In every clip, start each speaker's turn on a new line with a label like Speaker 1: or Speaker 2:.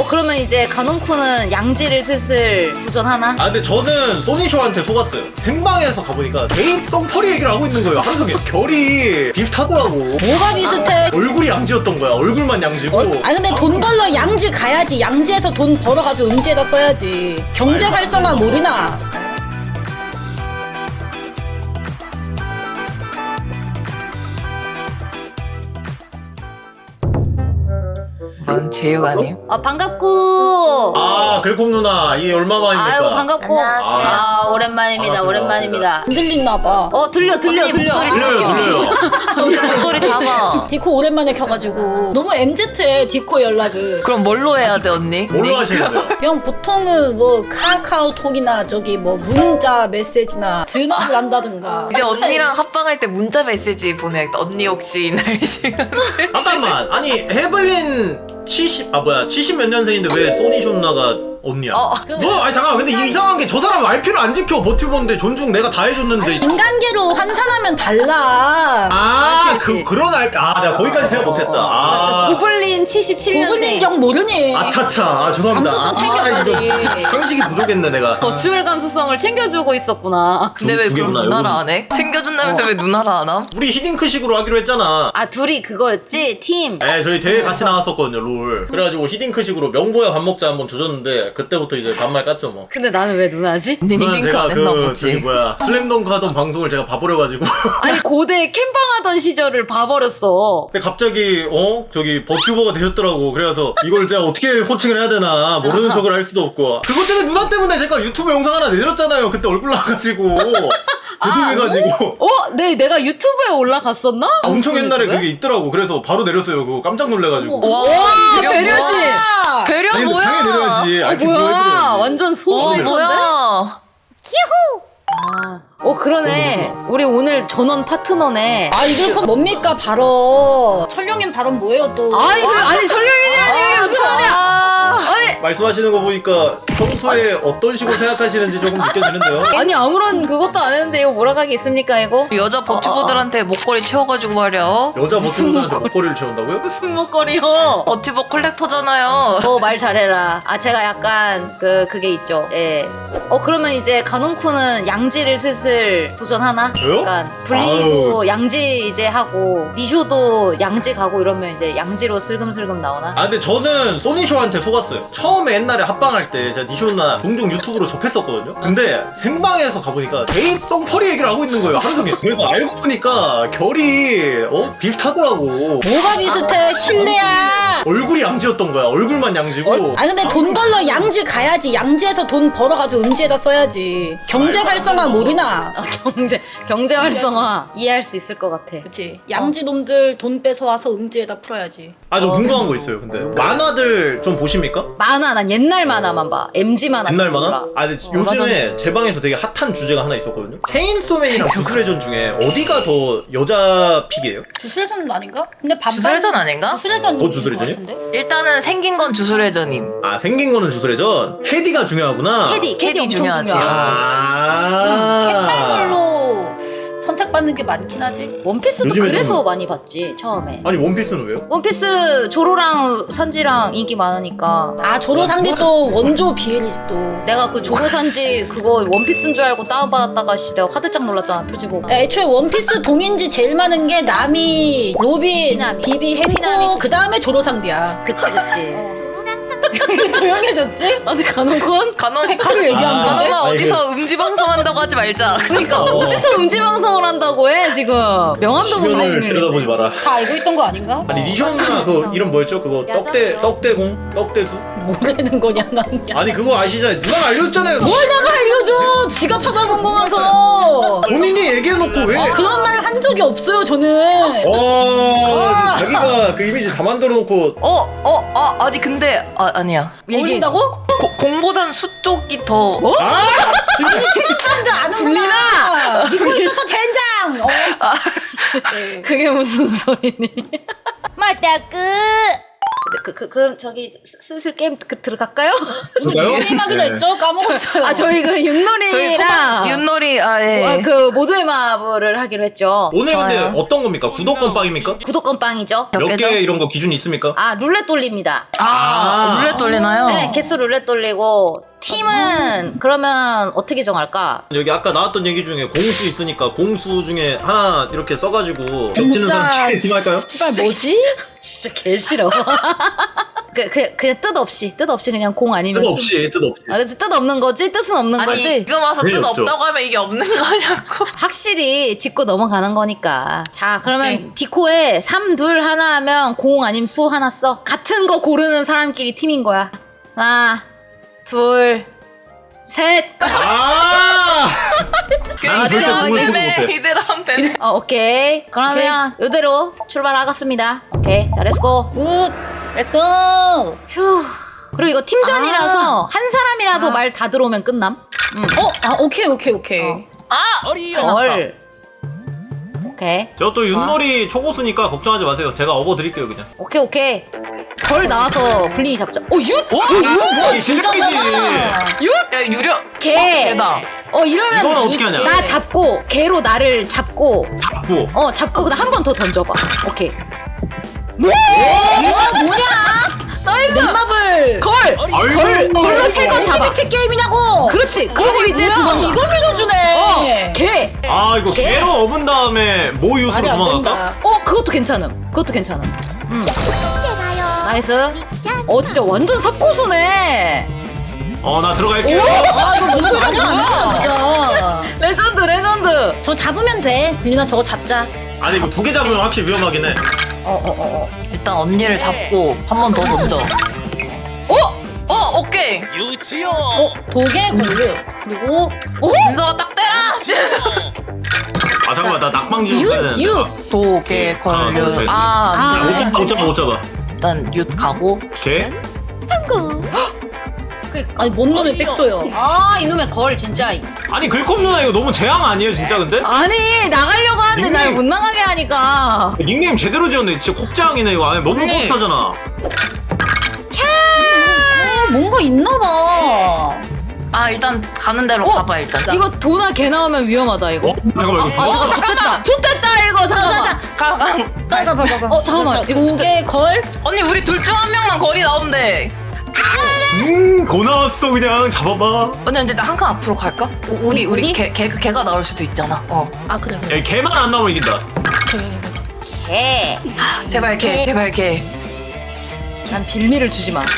Speaker 1: 그러면 이제 가논쿠는 양지를 슬슬 도전하나?
Speaker 2: 아 근데 저는 소니쇼한테 속았어요. 생방에서 가보니까 되게 똥퍼리 얘기를 하고 있는 거예요. 하루 종일 결이 비슷하더라고.
Speaker 3: 뭐가 비슷해?
Speaker 2: 얼굴이 양지였던 거야. 얼굴만 양지고.
Speaker 3: 아 근데 돈 벌러 양지 가야지. 양지에서 돈 벌어가지고 음지에다 써야지. 경제 활성화 모르나?
Speaker 4: 뭔 제육아님?
Speaker 1: 반갑고.
Speaker 2: 글콤 누나 이게 얼마만입니까?
Speaker 1: 아유 반갑고.
Speaker 4: 안녕하세요.
Speaker 1: 오랜만입니다.
Speaker 2: 반갑습니다.
Speaker 1: 오랜만입니다.
Speaker 3: 안 들리나봐.
Speaker 1: 들려.
Speaker 4: 들려요.
Speaker 2: 들려요.
Speaker 4: 목소리 잡아.
Speaker 3: 디코 오랜만에 켜가지고 너무 MZ해 디코 연락을.
Speaker 4: 그럼 뭘로 해야 돼 언니?
Speaker 2: 뭘로 하시는데요?
Speaker 3: 그냥 보통은 뭐 카카오톡이나 저기 뭐 문자 메시지나 전화를 한다든가.
Speaker 4: 이제 언니랑 합방할 때 문자 메시지 보내야겠다. 언니 혹시 날씨가
Speaker 2: 잠깐만. 아니 헤블린 70 몇 년생인데 왜 소니쇼 누나가 언니야? 아니 잠깐만. 근데 이상한 게 저 사람 RP를 안 지켜. 버튜버인데 존중 내가 다 해줬는데.
Speaker 3: 인간계로 환산하면 달라.
Speaker 2: 그런 RP. 내가 거기까지 생각 못했다.
Speaker 1: 고블린 77년생.
Speaker 3: 고블린경 모르니?
Speaker 2: 아차차. 죄송합니다.
Speaker 3: 감수성 챙겨가리.
Speaker 2: 이거 상식이 부족했네 내가.
Speaker 1: 버추얼 감수성을 챙겨주고 있었구나.
Speaker 4: 근데 왜
Speaker 2: 두
Speaker 4: 그럼
Speaker 2: 개구나,
Speaker 4: 누나라
Speaker 2: 요거는.
Speaker 4: 안 해? 챙겨준다면서 왜 누나라 안 함?
Speaker 2: 우리 히딩크식으로 하기로 했잖아.
Speaker 1: 둘이 그거였지? 팀.
Speaker 2: 저희 대회 같이 나갔었거든요, 롤. 그래가지고 히딩크식으로 명보야 밥 먹자 한번 조졌는데 그때부터 이제 반말 깠죠 뭐.
Speaker 1: 근데 나는 왜 누나지?
Speaker 4: 언니는
Speaker 2: 그건
Speaker 4: 링크
Speaker 2: 제가
Speaker 4: 안 했나
Speaker 2: 저기
Speaker 4: 보지.
Speaker 2: 슬램덩크 하던 방송을 제가 봐버려가지고.
Speaker 1: 아니 고대 캠방하던 시절을 봐버렸어.
Speaker 2: 근데 갑자기 저기 버튜버가 되셨더라고. 그래서 이걸 제가 어떻게 호칭을 해야 되나 모르는 척을 할 수도 없고. 그것 때문에 누나 때문에 제가 유튜브 영상 하나 내렸잖아요. 그때 얼굴 나와가지고 죄송해가지고.
Speaker 1: 네, 내가 유튜브에 올라갔었나?
Speaker 2: 엄청 옛날에
Speaker 1: 유튜브에?
Speaker 2: 그게 있더라고. 그래서 바로 내렸어요. 그거 깜짝 놀래가지고.
Speaker 4: 와,
Speaker 1: 배려심.
Speaker 4: 배려
Speaker 2: 아니, 근데
Speaker 4: 뭐야?
Speaker 2: 당연히 내려야지. RP
Speaker 1: 뭐야?
Speaker 2: 보여드려야지.
Speaker 1: 완전
Speaker 4: 와
Speaker 1: 소수인데?
Speaker 4: 뭐야?
Speaker 1: 그러네. 우리 오늘 전원 파트너네.
Speaker 3: 이거 뭡니까 발언? 철룡님 발언 뭐예요 또?
Speaker 1: 아니 설령이라니 무슨 말이야?
Speaker 2: 말씀하시는 거 보니까 평소에 어떤 식으로 생각하시는지 조금 느껴지는데요.
Speaker 1: 아니 아무런 그것도 안 했는데 이거 몰아가기 있습니까 이거?
Speaker 4: 여자 버튜버들한테 목걸이 채워가지고 말이야.
Speaker 2: 여자 버튼들한테 목걸이를 채운다고요?
Speaker 1: 무슨 목걸이요?
Speaker 4: 버튜버 컬렉터잖아요.
Speaker 1: 말 잘해라. 제가 약간 그게 있죠. 예. 그러면 이제 가논쿠는 양지를 슬슬 도전하나?
Speaker 2: 저요?
Speaker 1: 약간 블린이도 양지 이제 하고 니쇼도 양지 가고 이러면 이제 양지로 슬금슬금 나오나?
Speaker 2: 근데 저는 소니쇼한테 속았어요. 처음에 옛날에 합방할 때 제가 니쇼 누나 종종 유튜브로 접했었거든요. 근데 생방에서 가보니까 되게 똥퍼리 얘기를 하고 있는 거예요. 하루 종일. 그래서 알고 보니까 결이 비슷하더라고.
Speaker 3: 뭐가 비슷해? 실내야.
Speaker 2: 얼굴이 양지였던 거야. 얼굴만 양지고.
Speaker 3: 근데 돈 벌러 양지 가야지. 양지에서 돈 벌어가지고 음지에다 써야지. 경제 활성화 모르나?
Speaker 1: 경제 활성화 이해할 수 있을 것 같아.
Speaker 3: 그치. 양지 놈들 돈 뺏어 와서 음지에다 풀어야지.
Speaker 2: 저 궁금한 거 있어요. 근데 만화들 좀 보십니까?
Speaker 1: 만화 난 옛날 만화만 봐. MG 만화 잘
Speaker 2: 옛날 만화?
Speaker 1: 몰라.
Speaker 2: 근데 요즘에 제 방에서 되게 핫한 주제가 하나 있었거든요. 체인소맨이랑 주술회전 중에 어디가 더 여자 픽이에요?
Speaker 3: 주술회전 아닌가? 근데 반반
Speaker 4: 주술회전 아닌가?
Speaker 3: 주술회전
Speaker 2: 주술회전이요?
Speaker 4: 일단은 생긴 건 주술회전임.
Speaker 2: 생긴 거는 주술회전. 캐디가 중요하구나.
Speaker 1: 캐디 엄청
Speaker 4: 중요하지.
Speaker 1: 중요하지.
Speaker 3: 캔발로 선택받는 게 많긴 하지.
Speaker 1: 원피스도
Speaker 2: 요즘에
Speaker 1: 그래서
Speaker 2: 좀-
Speaker 1: 많이 봤지 처음에.
Speaker 2: 아니 원피스는 왜요?
Speaker 1: 원피스 조로랑 산지랑 인기 많으니까.
Speaker 3: 조로상디 또 원조 비엘이지 또.
Speaker 1: 내가 그 조로산지 그거 원피스인 줄 알고 다운받았다가 내가 화들짝 놀랐잖아 표지 보고.
Speaker 3: 애초에 원피스 동인지 제일 많은 게 나미, 로빈,
Speaker 1: 피나미.
Speaker 3: 비비,
Speaker 1: 피나미.
Speaker 3: 햄코 그 다음에 조로상디야.
Speaker 1: 그치.
Speaker 3: 조용해졌지?
Speaker 1: 근데 가논군?
Speaker 4: 간호
Speaker 3: 팩트를 얘기하면
Speaker 2: 아,
Speaker 3: 돼?
Speaker 4: 간호마
Speaker 2: 아니,
Speaker 4: 어디서 음지 방송한다고 하지 말자.
Speaker 1: 그러니까 어디서 음지 방송을 한다고 해 지금. 명함도 못
Speaker 2: 화면을
Speaker 1: 내밀.
Speaker 2: 들여다보지 마라.
Speaker 3: 다 알고 있던 거 아닌가?
Speaker 2: 아니 니쇼 누나 그 이름 뭐였죠? 그거 떡대공? 떡대수?
Speaker 3: 뭐라는 거냐 난.
Speaker 2: 아니 그거 아시잖아요. 누나가 알려줬잖아요.
Speaker 3: 뭘 내가 알려줘! 지가 찾아본 거면서.
Speaker 2: 본인이 얘기해놓고 왜?
Speaker 3: 그런 말 한 적이 없어요 저는.
Speaker 2: 자기가 그 이미지 다 만들어놓고.
Speaker 4: 아니 근데 아니야.
Speaker 3: 얘기한다고?
Speaker 4: 공보단 수 쪽이 더.
Speaker 3: 사람들 아는구나. 믿고 있어서 젠장.
Speaker 1: 그게 무슨 소리니? 맞다 끝. 그럼 저기 슬슬 게임 들어갈까요?
Speaker 2: 진짜요?
Speaker 3: 게임하기로 했죠? 까먹었어요.
Speaker 1: 아 저희 그 윷놀이랑
Speaker 4: 윷놀이 예.
Speaker 1: 그 모두의 마블을 하기로 했죠.
Speaker 2: 오늘 근데
Speaker 1: 좋아요.
Speaker 2: 어떤 겁니까? 구독권 빵입니까?
Speaker 1: 구독권 빵이죠.
Speaker 4: 몇
Speaker 2: 몇
Speaker 4: 개죠?
Speaker 2: 개 이런 거 기준이 있습니까?
Speaker 1: 아 룰렛 돌립니다.
Speaker 2: 아.
Speaker 4: 룰렛 돌리나요?
Speaker 1: 네 개수 룰렛 돌리고 팀은 그러면 어떻게 정할까?
Speaker 2: 여기 아까 나왔던 얘기 중에 공수 있으니까 공수 중에 하나 이렇게 써가지고 겹치는 사람 팀 할까요?
Speaker 3: 씨발 뭐지?
Speaker 1: 진짜 개 싫어. 그냥 뜻 없이 그냥 공 아니면
Speaker 2: 뜻 없이 뜻 없이.
Speaker 1: 아 그치 뜻 없는 거지 뜻은 없는
Speaker 4: 아니
Speaker 1: 거지.
Speaker 4: 지금 와서
Speaker 2: 그게
Speaker 4: 뜻
Speaker 2: 없죠.
Speaker 4: 없다고 하면 이게 없는 거냐고.
Speaker 1: 확실히 짚고 넘어가는 거니까. 자 그러면
Speaker 4: 네.
Speaker 1: 디코에 3, 2, 하나 하면 공 아니면 수 하나 써. 같은 거 고르는 사람끼리 팀인 거야. 하나 둘 셋.
Speaker 2: 아! 나는 절대
Speaker 1: 맞아,
Speaker 2: 공을 소개
Speaker 4: 되네.
Speaker 2: 못해.
Speaker 4: 이대로 하면 되네.
Speaker 1: 오케이 그러면 이대로 출발하겠습니다. 오케이 자 렛츠고.
Speaker 3: 굿. 렛츠고.
Speaker 1: 휴. 그리고 이거 팀전이라서 한 사람이라도 말 다 들어오면 끝남.
Speaker 3: 오케이.
Speaker 1: 걸. 오케이.
Speaker 2: 제가 또 윷놀이 초고수니까 걱정하지 마세요. 제가 업어 드릴게요 그냥.
Speaker 1: 오케이. 걸 나와서 블링이 잡자.
Speaker 2: 이게 실력이지.
Speaker 4: 야 유려.
Speaker 1: 개.
Speaker 4: 개다.
Speaker 1: 이러면
Speaker 2: 이거는 어떻게 하냐?
Speaker 1: 나 잡고 개로 나를 잡고
Speaker 2: 잡고.
Speaker 1: 잡고 그다음 한 번 더 던져봐. 오케이. 뭐야? 나이스.
Speaker 3: 넷마블.
Speaker 1: 걸. 걸로 새 거 잡아.
Speaker 3: 액티비티 게임이냐고.
Speaker 1: 그렇지. 그리고 이제
Speaker 3: 뭐야,
Speaker 1: 도망가.
Speaker 3: 이걸 믿어주네.
Speaker 1: 개.
Speaker 2: 아 이거
Speaker 1: 개.
Speaker 2: 개로 업은 다음에 모 유수로
Speaker 3: 말이 안
Speaker 2: 도망갈까?
Speaker 3: 된다.
Speaker 1: 그것도 괜찮음. 나이스. 진짜 완전 삽고수네.
Speaker 2: 나 들어갈게요.
Speaker 3: 아 이거 무슨 소리야 진짜.
Speaker 1: 레전드.
Speaker 3: 저 잡으면 돼. 빌리나 저거 잡자.
Speaker 2: 아니 이거 두 개 잡으면 확실히 위험하긴 해.
Speaker 4: 일단 언니를 잡고 한 번 더 던져. 오케이.
Speaker 3: 도개 걸류. 그리고
Speaker 4: 민서가 딱 때라.
Speaker 2: 아 잠깐만 나 낙방지 좀 써야 되는데.
Speaker 4: 도개 걸려.
Speaker 2: 네.
Speaker 4: 아,
Speaker 2: 못 잡아.
Speaker 4: 일단 윷 가고.
Speaker 2: 개?
Speaker 3: 아니 뭔 놈의 백도요.
Speaker 1: 이놈의 걸 진짜.
Speaker 2: 아니 글콤 누나 이거 너무 재앙 아니에요 진짜 근데?
Speaker 1: 아니 나가려고 하는데 날
Speaker 2: 닉네임.
Speaker 1: 못 나가게 하니까.
Speaker 2: 닉네임 제대로 지었네. 진짜 콕장이네 이거. 아니 너무
Speaker 4: 아니.
Speaker 2: 곱하잖아.
Speaker 3: 뭔가 있나봐.
Speaker 4: 일단 가는 대로 가봐 일단.
Speaker 1: 이거 도나 개 나오면 위험하다 이거.
Speaker 2: 잠깐만 이거 죽어?
Speaker 1: 잠깐만 좋댔다 이거 잠깐만.
Speaker 4: 가.
Speaker 3: 봐봐.
Speaker 1: 잠깐만 이거
Speaker 3: 도개 걸.
Speaker 4: 언니 우리 둘 중 한 명만 거리 나오면 돼.
Speaker 2: 더 나왔어 그냥 잡아봐.
Speaker 4: 언니 근데 나 한 칸 앞으로 갈까? 우리
Speaker 3: 우리?
Speaker 4: 개가 나올 수도 있잖아.
Speaker 3: 아 그래.
Speaker 2: 야 개만 안 나오면 이긴다.
Speaker 1: 개.
Speaker 4: 제발 개.
Speaker 1: 난 빌미를 주지 마.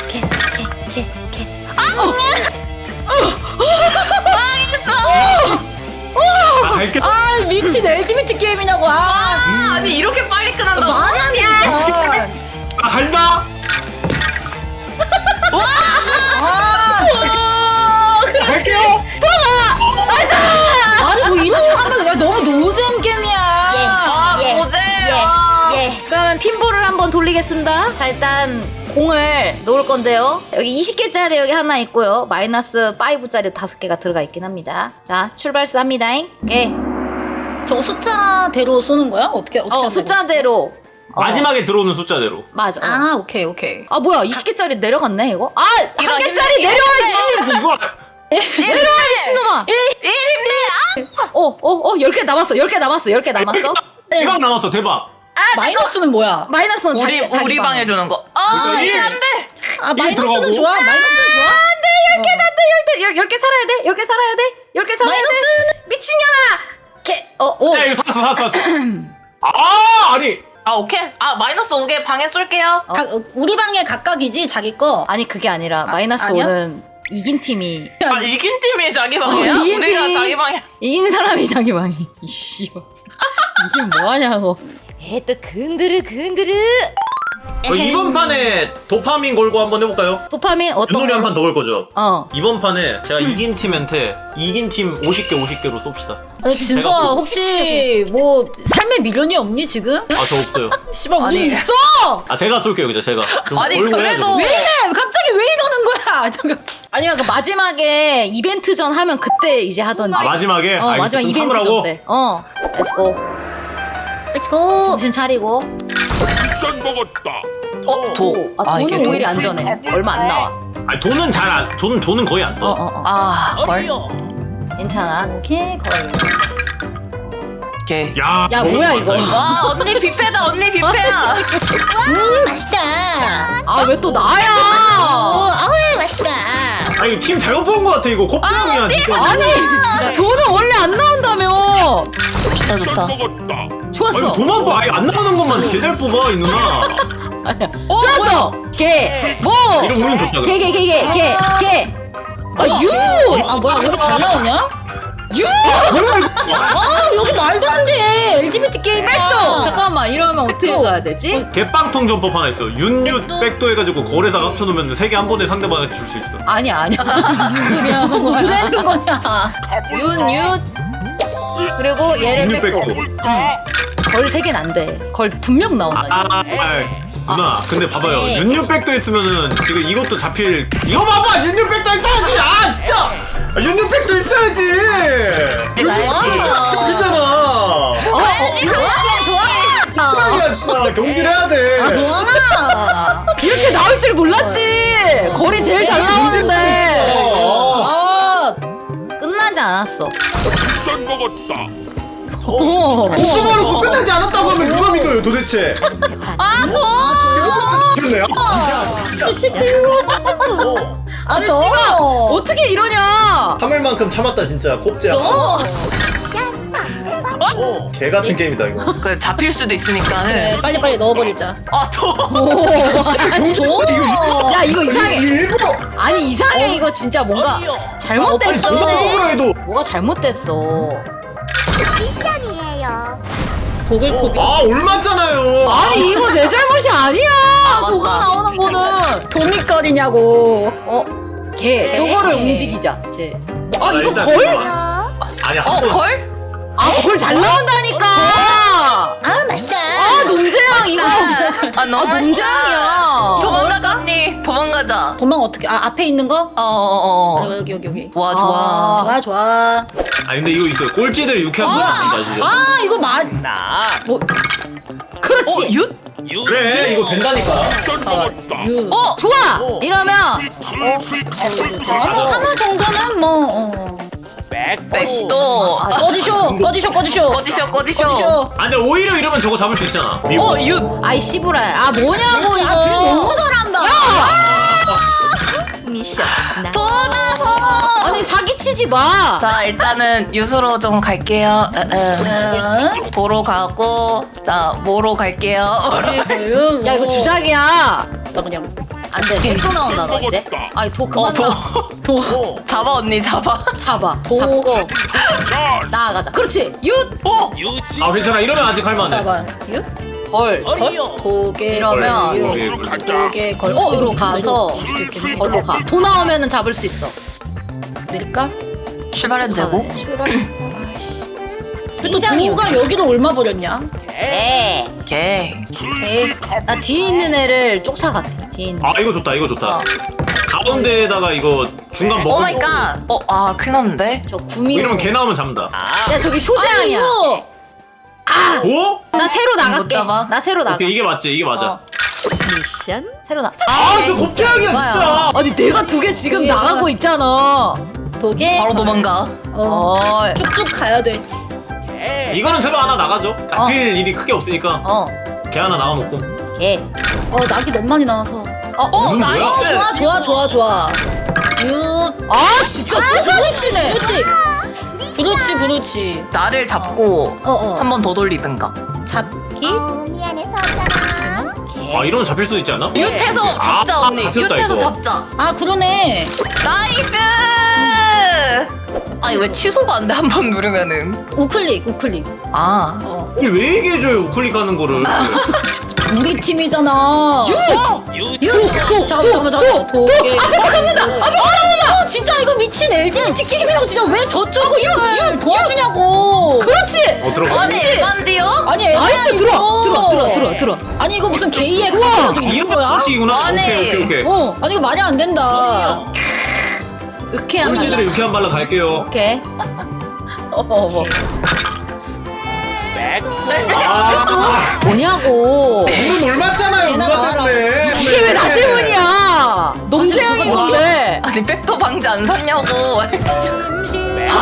Speaker 2: 갈게.
Speaker 3: 아 미친 LGBT 게임이냐고.
Speaker 4: 아니 이렇게 빨리 끝난다고?
Speaker 3: 말이 안 돼.
Speaker 2: 간다. 갈게요.
Speaker 3: 아니 뭐 이놈 하면 야 너무 노잼 게임이야.
Speaker 1: 예. 그러면 핀볼을 한번 돌리겠습니다. 자 일단 공을 놓을 건데요. 여기 20개짜리 여기 하나 있고요. 마이너스 5짜리 5개가 들어가 있긴 합니다. 자 출발합니다. 오케이.
Speaker 3: 저거 숫자대로 쏘는 거야? 어떻게 하는
Speaker 1: 숫자대로.
Speaker 2: 마지막에 들어오는 숫자대로.
Speaker 1: 맞아.
Speaker 3: 거야? 아 오케이.
Speaker 1: 아 뭐야 20개짜리 내려갔네 이거? 한
Speaker 4: 이런
Speaker 1: 개짜리
Speaker 4: 힘내.
Speaker 1: 내려와
Speaker 2: 이거
Speaker 1: 내려와 미친놈아. 10개 남았어. 10개 남았어.
Speaker 2: 대박 나왔어 대박.
Speaker 3: 마이너스는 뭐야?
Speaker 1: 마이너스는
Speaker 4: 우리 방 해주는 거.
Speaker 2: 그러니까
Speaker 4: 안돼.
Speaker 3: 아 마이너스는
Speaker 2: 들어가고.
Speaker 3: 좋아. 마이너스는 좋아.
Speaker 1: 10개 살아야 돼. 10개 살아야 돼. 미친년아.
Speaker 2: 야 이거 샀어. 아니.
Speaker 4: 오케이. 마이너스 5개 방에 쏠게요.
Speaker 3: 우리 방에 각각이지 자기 거.
Speaker 1: 아니 그게 아니라 마이너스
Speaker 3: 아니야?
Speaker 1: 5는 이긴 팀이
Speaker 4: 이긴 팀이 자기 방이야?
Speaker 1: 이긴
Speaker 4: 우리가
Speaker 1: 팀이-
Speaker 4: 자기 방이야.
Speaker 1: 이긴 사람이 자기 방이. 이씨. 이게 뭐하냐고. 또 근드르.
Speaker 2: 이번 판에 도파민 걸고 한번 해볼까요?
Speaker 1: 도파민 어떤
Speaker 2: 윷놀이 한 판 더 걸 거죠?
Speaker 1: 어.
Speaker 2: 이번 판에 제가 이긴 팀한테 이긴 팀 50개로 쏩시다.
Speaker 3: 아니 진서아 혹시 뭐 삶의 미련이 없니 지금?
Speaker 2: 아 저 없어요.
Speaker 3: 씨발
Speaker 4: 아니.
Speaker 3: 우리 있어.
Speaker 2: 아 제가 쏠게요 그죠 제가. 좀
Speaker 4: 아니,
Speaker 2: 걸고
Speaker 4: 그래도-
Speaker 2: 해야죠.
Speaker 3: 왜 이래? 갑자기 왜 이러는 거야? 잠깐.
Speaker 1: 아니면 그 마지막에 이벤트 전 하면 그때 이제 하던지.
Speaker 2: 마지막에?
Speaker 1: 마지막
Speaker 2: 알겠어. 그럼
Speaker 1: 이벤트
Speaker 2: 참으라고?
Speaker 1: 전 때. 렛츠고.
Speaker 3: 렛츠고.
Speaker 1: 정신 차리고.
Speaker 5: 미션 먹었다.
Speaker 4: 도.
Speaker 1: 아,
Speaker 4: 이게
Speaker 1: 돈은
Speaker 4: 도?
Speaker 1: 오히려 안전해. 얼마 안 나와.
Speaker 2: 아니 돈은 잘 안, 돈은 거의 안 떠.
Speaker 4: 아, 걸?
Speaker 1: 괜찮아.
Speaker 3: 오케이 걸.
Speaker 4: 오케이.
Speaker 2: 야,
Speaker 1: 야, 뭐야, 이거.
Speaker 4: 와, 언니 뷔페다, 언니 뷔페야.
Speaker 3: 맛있다.
Speaker 1: 아, 왜 또 나야?
Speaker 3: 아우 맛있다.
Speaker 2: 아니 팀 잘못 본 거 같아 이거 곱창이야 진짜.
Speaker 1: 아니, 돈은 원래 안 나온다며.
Speaker 4: 좋다, 좋다.
Speaker 2: 아니
Speaker 1: 좋았어.
Speaker 2: 도만 봐. 아예 안 나오는 것만 개 잘 뽑아 이 누나.
Speaker 1: 좋았어. 개. 뭐.
Speaker 2: 이런 운은 좋다.
Speaker 1: 개. 아, 유.
Speaker 3: 아 뭐야 여기 잘 나오냐?
Speaker 1: 유.
Speaker 3: 아 여기 말도 안 돼. LGBT 게임.
Speaker 1: 백도. 잠깐만, 이러면 어떻게 가야 되지?
Speaker 2: 개빵통 전법 하나 있어. 윤유 백도 해가지고 거래다가 합쳐놓으면 세 개 한 번에 상대방한테 줄 수 있어.
Speaker 1: 아니야. 무슨 소리 하는 거야?
Speaker 3: 뭐라는 거냐?
Speaker 1: 윤. 그리고 얘를
Speaker 2: 윤유
Speaker 1: 뺏고.
Speaker 2: 백도.
Speaker 1: 걸 3개는 안 돼. 걸 분명 나온다.
Speaker 2: 누나 근데 봐봐요. 윤유 백도 했으면은 지금 이것도 잡힐. 이거 봐봐. 윤유 백도 했어야지. 아 진짜. 윤유 백도 했어야지. 그잖아. 야 진짜 경질해야 돼.
Speaker 1: 이렇게 나올 줄 몰랐지. 거리 제일 잘 나오는데. 아, 끝나지 않았어.
Speaker 5: 짠 먹었다.
Speaker 2: 오빠로 끝나지 않았다고 하면 누가 믿어요 도대체? 그러네요.
Speaker 1: 아니, 씨발. 어떻게 이러냐.
Speaker 2: 참을만큼 참았다 진짜 곱제야. 개 같은 게임이다 이거.
Speaker 4: 그 잡힐 수도 있으니까는.
Speaker 3: 빨리 넣어버리자.
Speaker 4: 아, 도.
Speaker 1: 야, 이거 이상해.
Speaker 2: 일부러.
Speaker 1: 아니, 이상해. 이거 진짜 뭔가
Speaker 2: 아니
Speaker 1: 잘못됐어.
Speaker 2: 누가 먹으라 해도.
Speaker 1: 뭐가 잘못됐어.
Speaker 3: 보글코비.
Speaker 2: 아 올맞잖아요.
Speaker 1: 아니, 이거 내 잘못이 아니야.
Speaker 4: 맞다.
Speaker 1: 도가 나오는 거는.
Speaker 3: 도미거리냐고.
Speaker 1: 개. 저거를 움직이자. 쟤. 아, 이거
Speaker 2: 일단
Speaker 1: 걸?
Speaker 2: 아니 한 번.
Speaker 4: 걸?
Speaker 1: 아, 걸 잘 나온다니까.
Speaker 3: 아 맛있다.
Speaker 1: 아, 농재양 이거.
Speaker 4: 아, 너무 맛있다.
Speaker 1: 농재양이야.
Speaker 4: 도망가자, 언니. 도망가자.
Speaker 3: 도망 어떻게? 아 앞에 있는 거? 여기.
Speaker 4: 와, 좋아.
Speaker 3: 좋아.
Speaker 2: 아니 근데 이거 있어요. 꼴찌들 유쾌한 거 아니다 진짜.
Speaker 3: 아 이거
Speaker 1: 그렇지.
Speaker 4: 윷?
Speaker 2: 그래 이거 된다니까.
Speaker 5: 짠 먹었다.
Speaker 1: 좋아. 이러면
Speaker 3: 하나 정도는 뭐.
Speaker 4: 백도.
Speaker 3: 꺼지쇼.
Speaker 4: 꺼지셔.
Speaker 2: 아 근데 오히려 이러면 저거 잡을 수 있잖아. 미국.
Speaker 4: 윷.
Speaker 1: 아이 씨부라. 아, 뭐냐고
Speaker 3: 아,
Speaker 1: 이거.
Speaker 3: 너무 잘한다.
Speaker 1: 아니, 사기치지 마.
Speaker 4: 자, 일단은 유수로 좀 갈게요. 도로 가고, 자, 모로 갈게요.
Speaker 1: 야, 이거 주작이야.
Speaker 3: 나 그냥
Speaker 1: 안 돼. 백도 나온다 너 이제. 아이, 도 그만 나.
Speaker 4: 잡아, 언니, 잡아.
Speaker 1: 잡아. 잡고 나아가자. 그렇지. 윷.
Speaker 2: 아 괜찮아 이러면 아직 할만해.
Speaker 3: 잡아.
Speaker 1: 걸.
Speaker 3: 도개.
Speaker 1: 이러면
Speaker 3: 도개 걸.
Speaker 1: 으로 가서 걸로 가. 도 나오면은 잡을 수 있어.
Speaker 3: 내릴까?
Speaker 4: 출발해도 되고?
Speaker 3: 근데 또 도가 여기는 얼마 버렸냐?
Speaker 1: 에.
Speaker 4: 오케이.
Speaker 1: 나 뒤에 있는 애를 쫓아갔대. 뒤에 있는.
Speaker 2: 아 이거 좋다.
Speaker 1: 어.
Speaker 2: 가운데에다가 이거 중간 먹고.
Speaker 4: 오 마이 갓. 큰일 났는데?
Speaker 1: 저 구미로.
Speaker 2: 이러면 개 나오면 잡는다.
Speaker 1: 야, 저기 쇼재앙이야.
Speaker 3: 이거
Speaker 2: 오?
Speaker 1: 나 새로 나갈게.
Speaker 4: 못 잡아?
Speaker 1: 나 새로 나가.
Speaker 2: 오케이 이게 맞지 이게 맞아.
Speaker 1: 어. 새로 나.
Speaker 2: 아저 곱창이야 진짜.
Speaker 1: 아니, 내가 2개 지금 나가고 있잖아.
Speaker 3: 도개.
Speaker 4: 바로 도망가.
Speaker 3: 쭉쭉 가야 돼.
Speaker 2: 이거는 새로 하나 나가죠. 잡힐 일이 크게 없으니까 개 하나 나가놓고.
Speaker 1: 개.
Speaker 3: 낙이 너무 많이 나와서.
Speaker 2: 무슨 거야?
Speaker 3: 좋아.
Speaker 1: 아, 진짜 또 사기치네.
Speaker 3: 그렇지.
Speaker 4: 나를 잡고 한 번 더 돌리든가.
Speaker 3: 잡기.
Speaker 2: 아 이러면 잡힐 수도 있지 않아?
Speaker 4: 윷해서 잡자, 언니.
Speaker 2: 잡혔다,
Speaker 4: 윷해서
Speaker 2: 이거.
Speaker 4: 잡자.
Speaker 3: 아 그러네.
Speaker 4: 나이스! 아니, 왜 취소가 안 돼? 한 번 누르면은.
Speaker 3: 우클릭.
Speaker 4: 아.
Speaker 2: 이걸 왜 얘기해줘요 우클릭 가는 거를.
Speaker 3: 우리 팀이잖아. 잠깐만. 도개.
Speaker 1: 앞에 잡는다.
Speaker 3: 진짜 이거 미친 LGBT 게임이라고 진짜 왜 저쪽을 도와주냐고.
Speaker 1: 그렇지.
Speaker 2: 들어가.
Speaker 4: 아니, 에반디요?
Speaker 3: 아니
Speaker 1: 나이스.
Speaker 3: 이거.
Speaker 1: 들어.
Speaker 3: 아니 이거 무슨 게이의 카드라도 있는
Speaker 2: 이런
Speaker 3: 거야?
Speaker 2: 것이구나.
Speaker 4: 아니.
Speaker 2: 오케이.
Speaker 3: 아니 이거 말이 안 된다.
Speaker 1: 으케한
Speaker 2: 꼴찌들의
Speaker 1: 말.
Speaker 2: 유쾌한 발로 갈게요.
Speaker 1: 오케이.
Speaker 2: 아
Speaker 1: 뭐냐고.
Speaker 2: 이건 올맞잖아요. 누나 때문에.
Speaker 1: 이게 왜 나 때문이야? 농재영인 건데.
Speaker 4: 아니 백도 방지 안 샀냐고.
Speaker 1: 야,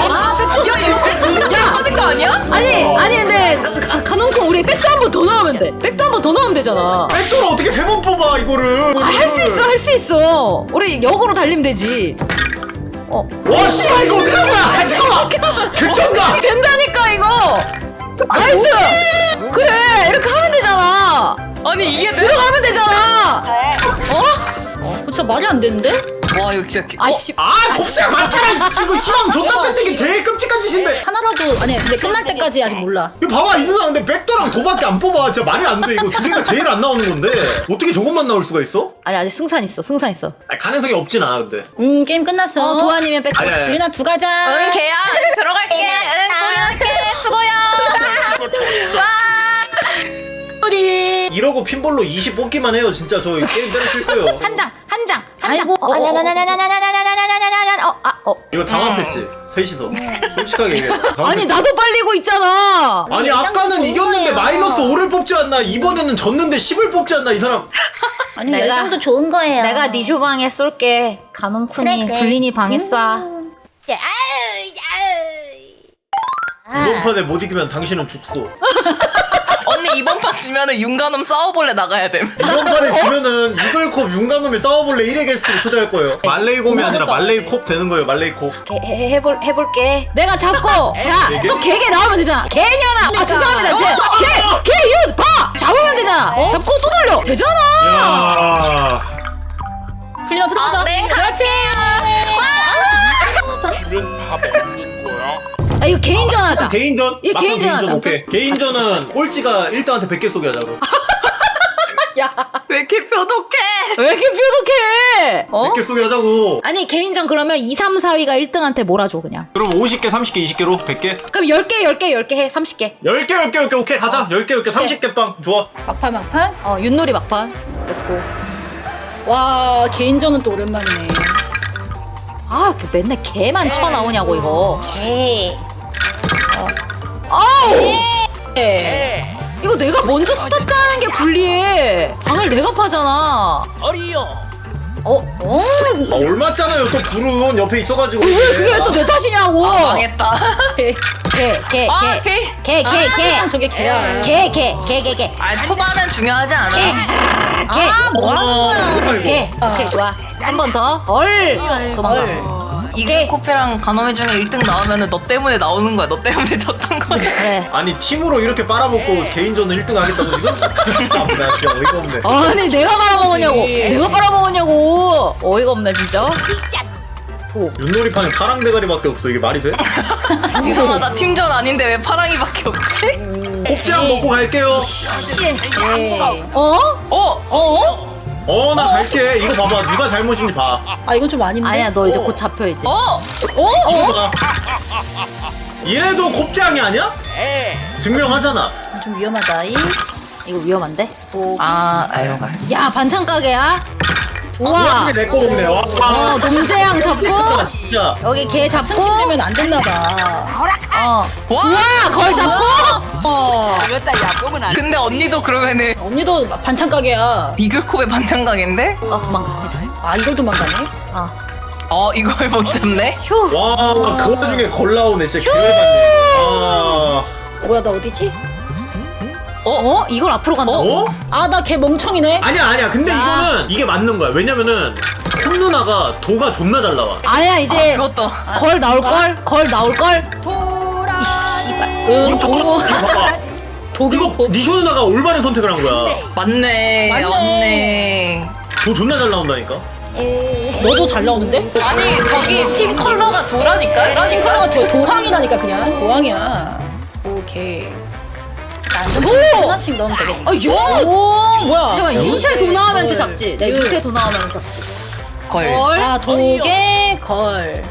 Speaker 4: 하는 거 아니야?
Speaker 1: 아니 근데 가놓고 우리 백도 한 번 더 넣으면 돼. 백도 한 번 더 넣으면 되잖아.
Speaker 2: 백도를 어떻게 3번 뽑아 이거를?
Speaker 1: 할 수 있어. 우리 역으로 달리면 되지.
Speaker 2: 와 씨발 이거 어떻게 한 거야? 잠깐만. 개쩐다.
Speaker 1: 된다니까 이거. 나이스. 그래 이렇게 하면 되잖아.
Speaker 4: 아니 이게
Speaker 1: 들어가면 되잖아.
Speaker 3: 진짜 말이 안 되는데?
Speaker 4: 와 이거 진짜.
Speaker 1: 아씨.
Speaker 2: 아 곱슬 맞잖아. 이거 희망 존나 뺏는 게 제일 끔찍한 짓인데.
Speaker 3: 하나라도 아니 근데 끝날 때까지 아직 몰라.
Speaker 2: 이거 봐봐 이 누나 근데 백도랑 도밖에 안 뽑아. 진짜 말이 안 돼. 이거 두 개가 제일 안 나오는 건데 어떻게 저것만 나올 수가 있어?
Speaker 1: 아니 아직 승산 있어.
Speaker 2: 아니, 가능성이 없진 않아 근데.
Speaker 3: 게임 끝났어.
Speaker 1: 도아님의 백도.
Speaker 2: 아니.
Speaker 3: 유리나 두 가자.
Speaker 4: 응 개야 들어갈게. 응 들어갈게. 수고야.
Speaker 3: 우리
Speaker 2: 이러고 핀볼로 20 뽑기만 해요. 진짜 저 게임 때려칠 거예요.
Speaker 1: 한 장.
Speaker 3: 아이고.
Speaker 2: 이거 당황했지. 셋이서. 솔직하게 얘기해.
Speaker 1: 아니 나도 빨리고 있잖아.
Speaker 2: 아니 아까는 이겼는데 마이너스 5를 뽑지 않나. 이번에는 졌는데 10을 뽑지 않나 이 사람.
Speaker 3: 아니
Speaker 1: 내가-
Speaker 3: 열정도 좋은 거예요.
Speaker 1: 내가 니쇼 방에 쏠게. 가놈쿤이
Speaker 3: 그래.
Speaker 1: 불린이 방에 쏴.
Speaker 2: 이번 판에 못 이기면 당신은 죽소.
Speaker 4: 언니 이번 판 지면은 윤가놈 싸워볼래 나가야 돼.
Speaker 2: 이번 판에 지면은 이글콥 윤가놈이 싸워볼래 1회 게스트로 초대할 거예요. 말레이곰이 아니라 말레이콥 되는 거예요. 말레이콥.
Speaker 1: 해볼게. 내가 잡고 자
Speaker 2: 네 개?
Speaker 1: 또 개개 나오면 되잖아. 개년아. 아 죄송합니다. 개윤 봐. 잡으면 되잖아. 잡고 또 돌려. 되잖아.
Speaker 2: 야.
Speaker 3: 풀리나 들어가자.
Speaker 4: 네.
Speaker 3: 그렇지.
Speaker 5: 지면 다 먹는 거야?
Speaker 1: 아 이거 개인전 하자.
Speaker 2: 개인전?
Speaker 1: 이
Speaker 2: 막상
Speaker 1: 개인전 하자.
Speaker 2: 오케이. 개인전은 꼴찌가 1등한테 100개 쏘게 하자고.
Speaker 1: 야
Speaker 4: 왜 이렇게 표독해?
Speaker 1: 왜 이렇게 표독해?
Speaker 2: 100개 쏘게 하자고.
Speaker 1: 아니 개인전 그러면 2, 3, 4위가 1등한테 몰아줘 그냥.
Speaker 2: 그럼 50개, 30개, 20개로 100개?
Speaker 1: 그럼 10개 해. 30개.
Speaker 2: 10개, 오케이. 가자. 10개, 30개 빵. 좋아.
Speaker 3: 막판.
Speaker 1: 윷놀이 막판. 렛츠고.
Speaker 3: 와 개인전은 또 오랜만이네.
Speaker 1: 아, 그 맨날 개만 쳐나오냐고 이거.
Speaker 3: 개.
Speaker 1: 아우!
Speaker 3: 개.
Speaker 1: 이거 내가 먼저 스타트하는 게 불리해. 방을 내가 파잖아.
Speaker 2: 아, 올맞잖아요. 또 불은 옆에 있어가지고.
Speaker 1: 왜 그게 또 내 탓이냐고.
Speaker 4: 망했다.
Speaker 1: 개.
Speaker 3: 저게 개야.
Speaker 1: 개.
Speaker 4: 아 초반은 중요하지 않아.
Speaker 3: 뭐 하는 거야?
Speaker 1: 개. 오케이, 좋아. 한 번 더. 도망가.
Speaker 4: 이게 코페랑 가노메 중에 1등 나오면은 너 때문에 나오는 거야. 너 때문에 졌던 거야.
Speaker 1: 그래.
Speaker 2: 아니, 팀으로 이렇게 빨아먹고 개인전은 1등 하겠다고 지금? 나 진짜 어이가 없네.
Speaker 1: 아니, 내가 빨아먹었냐고.
Speaker 3: 그렇지.
Speaker 1: 내가 빨아먹었냐고. 어이가 없네, 진짜.
Speaker 2: 윷놀이판에 파랑 대가리밖에 없어. 이게 말이 돼?
Speaker 4: 이상하다. 팀전 아닌데 왜 파랑이밖에 없지?
Speaker 2: 곱창 먹고 갈게요.
Speaker 1: 씨.
Speaker 3: 개.
Speaker 4: 어?
Speaker 2: 나 갈게. 이거 봐봐. 누가 잘못인지 봐.
Speaker 3: 아 이건 좀 아닌데.
Speaker 1: 아니야, 너 이제 곧 잡혀야지.
Speaker 2: 이거 봐. 이래도 곱창이 아니야? 증명하잖아.
Speaker 3: 좀 위험하다.
Speaker 1: 이거 위험한데?
Speaker 4: 아이로 가.
Speaker 1: 야, 반찬 가게야? 좋아.
Speaker 2: 어떻게 내거 먹네. 와.
Speaker 1: 놈재양 잡고.
Speaker 2: 진짜.
Speaker 1: 여기 개 잡고.
Speaker 3: 되면 안 됐나 봐.
Speaker 4: 와.
Speaker 1: 좋아, 걸 잡고.
Speaker 4: 근데 언니도 그러면은
Speaker 3: 언니도 반찬 가게야.
Speaker 4: 비글콥의 반찬 가게인데?
Speaker 1: 도망가. 괜찮아.
Speaker 3: 아 이걸 도망가네.
Speaker 4: 이걸 못 잡네?
Speaker 1: 휴.
Speaker 2: 와, 그 와중에 걸 나오네. 진짜 기회받네.
Speaker 3: 뭐야 나 어디지?
Speaker 1: 이걸 앞으로 간다고?
Speaker 2: 어?
Speaker 3: 아 나 걔 멍청이네.
Speaker 2: 아니야. 근데 이거는 이게 맞는 거야. 왜냐면은 콩 누나가 도가 존나 잘 나와.
Speaker 1: 아니야, 이제
Speaker 4: 그것도.
Speaker 1: 걸 나올걸? 걸 나올걸? 이 씨발.
Speaker 3: 도로.
Speaker 2: 봐봐. 이거 니쇼 누나가 올바른 선택을 한 거야.
Speaker 4: 맞네.
Speaker 3: 맞네.
Speaker 2: 도 존나 잘 나온다니까.
Speaker 3: 너도 잘 나오는데?
Speaker 4: 아니 저기 팀 컬러가 도라니까?
Speaker 3: 팀 컬러가 도항이라니까 그냥 도항이야. 오케이.
Speaker 1: 오!
Speaker 3: 하나씩 넣으면 되겠다.
Speaker 1: 아, 유!
Speaker 3: 오 뭐야?
Speaker 1: 잠깐만, 유세 도 나오면
Speaker 3: 걸.
Speaker 1: 잡지. 내
Speaker 3: 유.
Speaker 1: 유세 도 나오면 잡지.
Speaker 4: 걸.
Speaker 3: 아 도개 걸.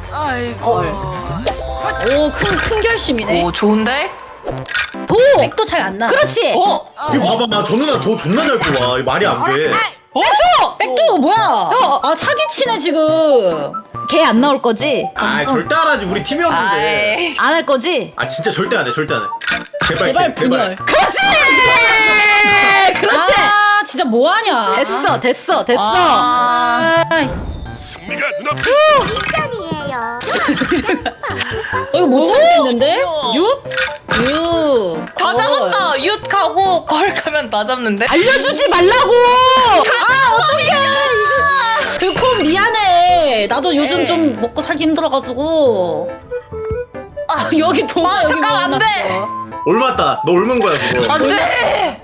Speaker 3: 오큰 결심이네.
Speaker 4: 오 좋은데?
Speaker 1: 도!
Speaker 3: 백도 잘 안 나.
Speaker 1: 그렇지!
Speaker 2: 이거 봐봐. 나 저 누나 도 존나 잘 뽑아. 이거 말이 안 돼.
Speaker 3: 백도 뭐야? 아 사기치네 지금.
Speaker 1: 걔 안 나올 거지?
Speaker 2: 절대 안 하지. 우리 팀이었는데.
Speaker 4: 아이.
Speaker 1: 안 할 거지?
Speaker 2: 진짜 절대 안 해. 절대 안 해.
Speaker 3: 제발 분열.
Speaker 1: 그렇지! 그렇지!
Speaker 3: 진짜 뭐하냐.
Speaker 1: 됐어.
Speaker 4: 아.
Speaker 5: 승리가 눈앞에
Speaker 3: 이거 못 참겠는데?
Speaker 1: 윷?
Speaker 4: 다 잡았다. 윷 가고 걸 가면 다 잡는데.
Speaker 1: 알려주지 말라고.
Speaker 3: 들콤 미안해. 나도 요즘 좀 먹고 살기 힘들어가지고. 여기 도마 여기
Speaker 4: 잠깐, 안 돼.
Speaker 2: 올맞다. 너 옮은 거야 그거.
Speaker 4: 안 돼.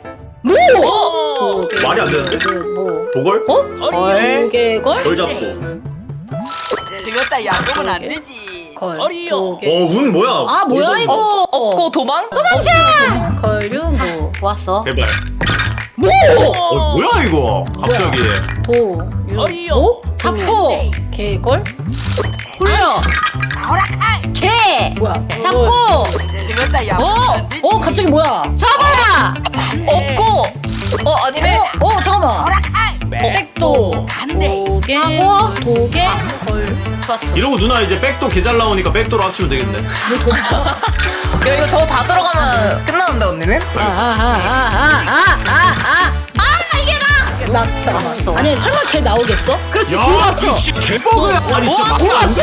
Speaker 2: 말이 안 되는데? 도걸?
Speaker 3: 도개걸?
Speaker 2: 걸 잡고.
Speaker 6: 그것다 야구면 안 되지.
Speaker 3: 걸.
Speaker 2: 어, 운 뭐야?
Speaker 3: 아 뭐야 이거?
Speaker 4: 없고 도망?
Speaker 3: 걸류무.
Speaker 1: 좋았어.
Speaker 2: 제발. 뭐야 이거? 갑자기.
Speaker 3: 도. 유.
Speaker 1: 잡고
Speaker 3: 개걸?
Speaker 1: 굴려. 개.
Speaker 3: 뭐야?
Speaker 1: 잡고.
Speaker 6: 그것다 야구면 안 되지.
Speaker 3: 갑자기 뭐야?
Speaker 1: 잡아.
Speaker 4: 없고. 아니네.
Speaker 1: 잠깐만.
Speaker 3: 백도. 도개.
Speaker 1: 하고.
Speaker 3: 도개. 걸.
Speaker 1: 좋았어.
Speaker 2: 이러고 누나 이제 백도 개 잘 나오니까 백도로 합치면 되겠네.
Speaker 4: 야, 이거 저거 다 들어가면 끝나는데 언니는?
Speaker 3: 나
Speaker 1: 왔어.
Speaker 3: 잠깐만. 아니 설마 걔 나오겠어?
Speaker 1: 그렇지.
Speaker 2: 야,
Speaker 1: 공 합쳐.
Speaker 2: 진짜 개버그야. 아니 진짜
Speaker 1: 공 합쳐.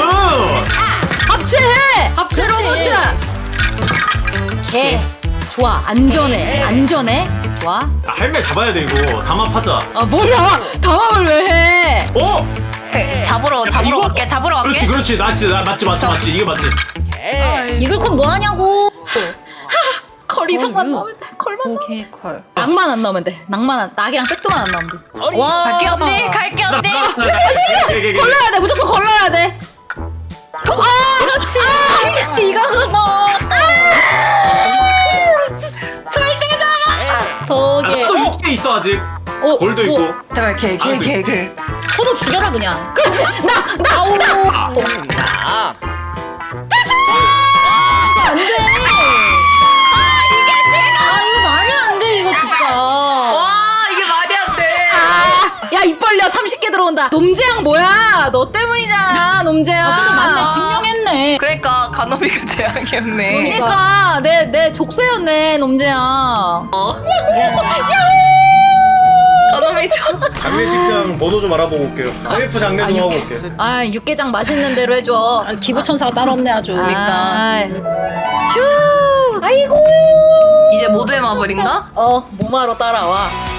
Speaker 1: 합체해. 합체
Speaker 3: 그렇지.
Speaker 1: 로봇. 개. 좋아. 안전해. 좋아.
Speaker 2: 할매 잡아야 돼 이거. 담합하자.
Speaker 1: 뭐야? 당황을 왜 해?
Speaker 4: 잡으러
Speaker 2: 이거?
Speaker 4: 갈게. 잡으러 갈게.
Speaker 2: 그렇지. 맞지. 이거 맞지.
Speaker 3: 이글콘 뭐 하냐고?
Speaker 1: 걸 이상만 나오면 돼. 걸만.
Speaker 3: 도개 걸.
Speaker 1: 낭만 안 나오면 돼. 낙이랑 백도만 안 나오면 돼.
Speaker 4: 갈게 언니. 갈게 언니.
Speaker 1: 걸러야 돼. 무조건 걸러야 돼. 그렇지.
Speaker 3: 이거 그거. 도개.
Speaker 2: 또 6개 있어 아직. 골도 있고.
Speaker 4: 제발 개.
Speaker 3: 서로 죽여라 그냥.
Speaker 1: 그렇지. 나.
Speaker 3: 안 돼. 이거 말이 안 돼 이거 진짜.
Speaker 4: 와 이게 말이 안 돼.
Speaker 1: 야, 입 벌려. 30개 들어온다. 놈재양 뭐야? 너 때문이잖아, 놈재양.
Speaker 3: 근데 맞네 증명했네.
Speaker 4: 그러니까 가노미가 재앙이었네.
Speaker 1: 그러니까 내 족쇄였네, 놈재양.
Speaker 4: 가노미 좀.
Speaker 2: 장례식장 번호 좀 알아보고 올게요. 셀프 장례 좀 하고 올게.
Speaker 1: 육개장 맛있는 대로 해줘.
Speaker 3: 기부천사가 따로 없네 아주.
Speaker 1: 그러니까. 휴. 아이고.
Speaker 4: 이제 모두의 마블인가?
Speaker 1: 몸하러 따라와.